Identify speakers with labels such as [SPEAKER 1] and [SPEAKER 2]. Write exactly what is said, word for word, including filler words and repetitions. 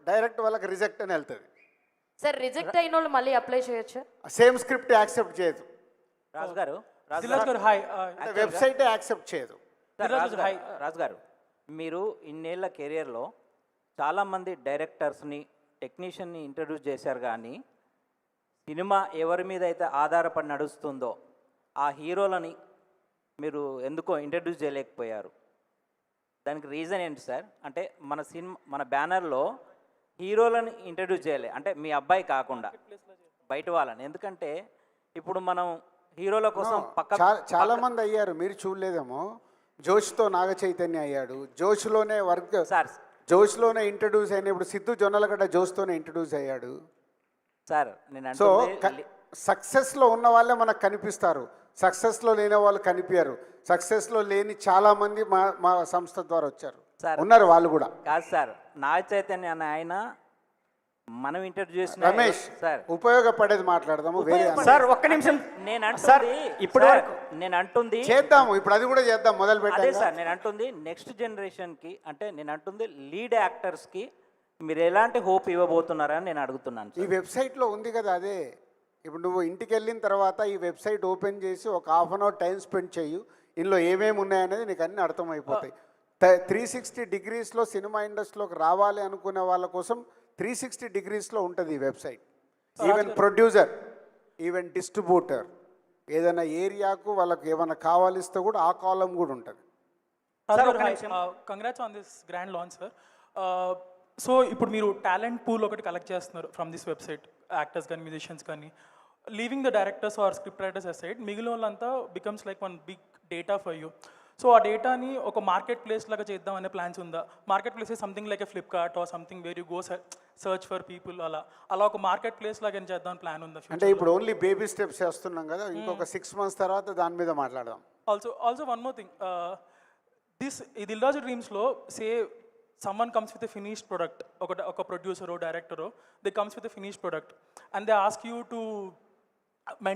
[SPEAKER 1] Direct వాళ్ళకి reject అని వెళ్తుంది.
[SPEAKER 2] సార్ రిజెక్ట్ అయిన వాళ్ళు మళ్ళీ అప్లై చేయొచ్చా?
[SPEAKER 1] సేమ్ స్క్రిప్ట్ యాక్సెప్ట్ చేయదు,
[SPEAKER 3] రాజు గారు రాజు
[SPEAKER 4] దిల్రాజ్ గారు హాయ్.
[SPEAKER 1] వెబ్సైటే యాక్సెప్ట్ చేయదు.
[SPEAKER 3] సార్, రాజు గారు రాజు గారు మీరు ఇన్నేళ్ల కెరియర్లో చాలామంది డైరెక్టర్స్ని టెక్నీషియన్ని ఇంట్రడ్యూస్ చేశారు, కానీ సినిమా ఎవరి మీద అయితే ఆధారపడి నడుస్తుందో ఆ హీరోలని మీరు ఎందుకో ఇంట్రడ్యూస్ చేయలేకపోయారు. దానికి రీజన్ ఏంటి సార్? అంటే మన సినిమా మన బ్యానర్లో హీరోలను ఇంట్రడ్యూస్ చేయలే, అంటే మీ అబ్బాయి కాకుండా బయట వాళ్ళని. ఎందుకంటే ఇప్పుడు మనం హీరోల కోసం పక్క
[SPEAKER 1] చా- చాలా మంది అయ్యారు, మీరు చూడలేదేమో. జోష్తో నాగ చైతన్య అయ్యాడు, జోష్లోనే వర్క్
[SPEAKER 3] సార్
[SPEAKER 1] జోష్లోనే ఇంట్రడ్యూస్ అయిన ఇప్పుడు సిద్ధు జొన్నలగడ్డ జోష్తోనే ఇంట్రడ్యూస్ అయ్యాడు.
[SPEAKER 3] సార్ నేను
[SPEAKER 1] సో
[SPEAKER 3] అంటే
[SPEAKER 1] సక్సెస్లో ఉన్న వాళ్ళే మనకు కనిపిస్తారు, సక్సెస్లో లేని వాళ్ళు కనిపించారు. సక్సెస్లో లేని చాలా మంది మా మా సంస్థ ద్వారా వచ్చారు,
[SPEAKER 3] సార్
[SPEAKER 1] ఉన్నారు వాళ్ళు కూడా.
[SPEAKER 3] కాదు సార్, నాగ చైతన్య అనే ఆయన మనం ఇంటర్వ్యూ చేసిన
[SPEAKER 1] రమేష్
[SPEAKER 3] సార్
[SPEAKER 1] ఉపయోగపడేది మాట్లాడదాము, వేరే
[SPEAKER 5] సార్ ఒక్క నిమిషం.
[SPEAKER 3] నేను
[SPEAKER 5] సార్,
[SPEAKER 3] అంటుంది
[SPEAKER 5] ఇప్పటి
[SPEAKER 3] సార్,
[SPEAKER 5] వరకు
[SPEAKER 3] నేను అంటుంది
[SPEAKER 1] చేద్దాము, ఇప్పుడు అది కూడా చేద్దాం, మొదలు
[SPEAKER 3] అదే
[SPEAKER 1] పెట్టాలి.
[SPEAKER 3] సార్ నేను అంటుంది నెక్స్ట్ జనరేషన్కి, అంటే నేను అంటుంది లీడ్ యాక్టర్స్కి మీరు ఎలాంటి హోప్ ఇవ్వబోతున్నారని నేను అడుగుతున్నాను
[SPEAKER 1] ఈ
[SPEAKER 3] సార్.
[SPEAKER 1] వెబ్సైట్లో ఉంది కదా అదే. ఇప్పుడు నువ్వు ఇంటికి వెళ్ళిన తర్వాత ఈ వెబ్సైట్ ఓపెన్ చేసి ఒక half an hour time spend చేయు, ఇందులో ఏమేమి ఉన్నాయనేది నీకు అన్నీ అర్థమైపోతాయి. త్రీ సిక్స్టీ డిగ్రీస్లో సినిమా ఇండస్ట్రీలోకి రావాలి అనుకునే వాళ్ళ కోసం త్రీ సిక్స్టీ డిగ్రీస్లో ఉంటుంది ఈ website. Even producer, even distributor, ఏదైనా ఏరియాకు వాళ్ళకి ఏమైనా కావాలిస్తే కూడా ఆ కాలం కూడా ఉంటుంది.
[SPEAKER 4] Congrats on this grand launch sir. So ఇప్పుడు మీరు టాలెంట్ పూల్ ఒకటి కలెక్ట్ చేస్తున్నారు ఫ్రమ్ దిస్ వెబ్సైట్, యాక్టర్స్ కానీ మ్యూజిషియన్స్ కానీ. Leaving the directors or script writers aside, మిగిలిన వాళ్ళంతా becomes like one big data for you. So ఆ డేటాని ఒక మార్కెట్ ప్లేస్ లాగా చేద్దాం అనే ప్లాన్స్ ఉందా? Market place something like a Flipkart or something where you go search for people, అలా అలా ఒక మార్కెట్ ప్లేస్ లాగా ఏం చేద్దాం ప్లాన్ ఉందా?
[SPEAKER 1] అంటే ఇప్పుడు ఓన్లీ బేబీ స్టెప్స్ చేస్తున్నాం కదా, ఇంకొక సిక్స్ మంత్స్ తర్వాత దాని మీద మాట్లాడదాం.
[SPEAKER 4] Also also one more thing, this ఈ దిల్రాజు డ్రీమ్స్లో సే someone comes with a finished product, ఒక ఒక ప్రొడ్యూసరో డైరెక్టరో, they comes with a finished product and they ask you to